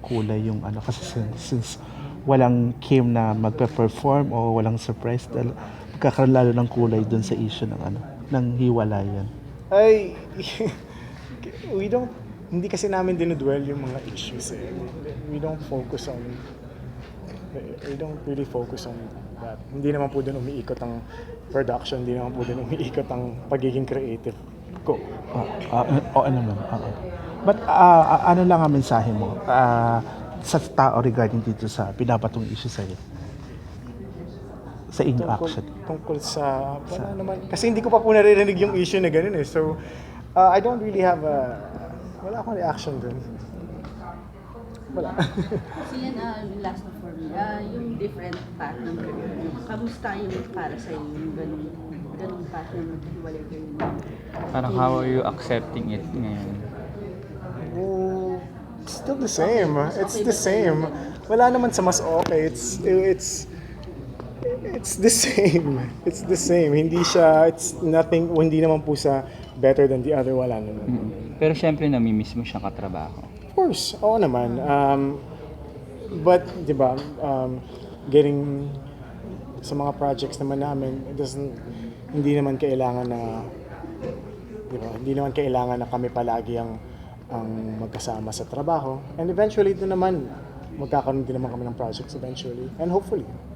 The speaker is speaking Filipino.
kulay yung ano kasi since walang Kim na magpe-perform o walang surprise dahil magkakaroon lalo ng kulay dun sa issue ng ano ng hiwalayan. Ay, hindi kasi namin dinudwell yung mga issues eh. We don't focus on, we don't really focus on that. Hindi naman po dun umiikot ang production, hindi naman po dun umiikot ang pagiging creative ko. Oo naman. Oo. But ano lang ang mensahe mo sa tao regarding dito sa pinapatong issue sa'yo? Sa inyo actually. Tungkol sa, wala naman, kasi hindi ko pa po naririnig yung issue na ganun eh. So, I don't really have wala akong reaction dun. Wala. So yan, last na for me, yung different path ng career mo. Kamusta yung para sa yung ganung path na maghiwalay kayo? Parang how are you accepting it ngayon? Oh, still the same. It's the same. Wala naman sa mas okay. It's the same. It's the same. Hindi siya, it's nothing, hindi naman po sa better than the other, wala naman. Pero syempre namimiss mo siyang katrabaho. Of course, oo naman. But, di ba, getting sa mga projects naman namin, hindi naman kailangan na, di ba, hindi naman kailangan na kami palagi ang magkasama sa trabaho. And eventually, doon naman, magkakaroon din naman kami ng projects eventually. And hopefully.